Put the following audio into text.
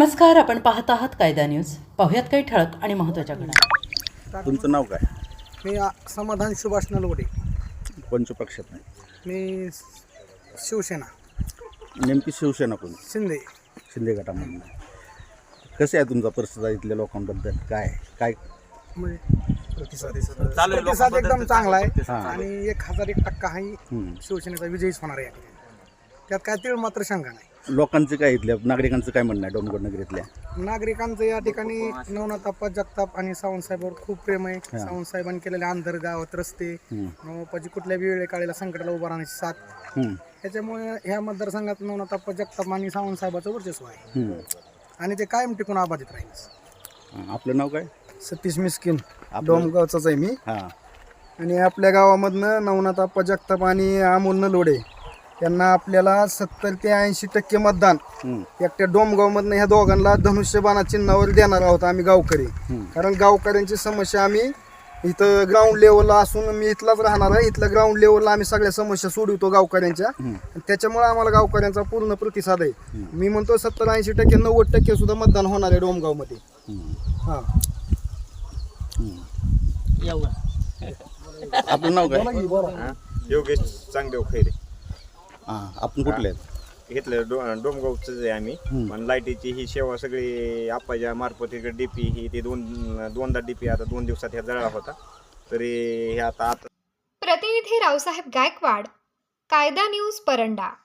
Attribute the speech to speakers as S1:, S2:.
S1: नमस्कार, आपण पाहत आहात कायदा न्यूज. पाहुयात काही ठळक आणि महत्त्वाच्या घडामोडी.
S2: तुमचं नाव काय?
S3: मी समाधान सुभाष नलवडे.
S2: कोणत्या पक्षात नाही?
S3: मी शिवसेना
S2: नेमकी शिवसेना कोण?
S3: शिंदे.
S2: शिंदे गटामधून. कसं आहे तुमचा परिस्थिती इथल्या लोकांबद्दल? काय काय
S3: म्हणजे प्रतिसाद एकदम चांगला आहे आणि 1001% हा शिवसेनेचा विजयीच होणार आहे. त्यात काय तीळ मात्र शंका नाही.
S2: लोकांचं काय, इथल्या नागरिकांचं काय म्हणणं आहे डोंगरनगर नगरीतल्या?
S3: नागरिकांचं या ठिकाणी नवनाथाप्पा जगताप आणि सावंतसाहेबांवर खूप प्रेम आहे. सावंतसाहेबांनी केलेले आंधर गावात रस्ते, नवनाथाप्पाची कुठल्याही वेळे काळेला संकटाला उभा राहण्याची साथ, त्याच्यामुळे ह्या मतदारसंघात नवनाथाप्पा जगताप आणि सावंतसाहेबाचं वर्चस्व आहे आणि ते कायम टिकून अबाधित राहील.
S2: आपलं नाव काय?
S4: सतीश मिस्किन, डोमगावचाच आहे मी.
S2: हां.
S4: आणि आपल्या गावामधनं नवनाथाप्पा जगताप आणि अमोल नलवडे यांना आपल्याला 70 ते 80% मतदान एकट्या डोमगावमधनं ह्या दोघांना धनुष्यबाणा चिन्हावर देणार आहोत आम्ही गावकरी. कारण गावकऱ्यांची समस्या आम्ही इथं ग्राउंड लेवलला असून मी इथलाच राहणार आहे. इथल्या ग्राउंड लेवलला आम्ही सगळ्या समस्या सोडवतो गावकऱ्यांच्या. त्याच्यामुळे आम्हाला गावकऱ्यांचा पूर्ण प्रतिसाद आहे. मी म्हणतो 70-80%, 90% सुद्धा मतदान होणार आहे डोमगावमध्ये. हां.
S2: आपलं नाव काय?
S5: योगेश चांगदेव खैरे.
S2: हां. आपण कुठले आहेत?
S5: घेतलं डोमगावचंच आहे आम्ही. पण लाईटीची ही सेवा सगळी आप्पाच्या मार्फत इकडे डीपी ही ते दोनदा डीपी आता 2 दिवसात ह्या जळला होता. तरी हे आता
S6: प्रतिनिधी रावसाहेब गायकवाड, कायदा न्यूज, परंडा.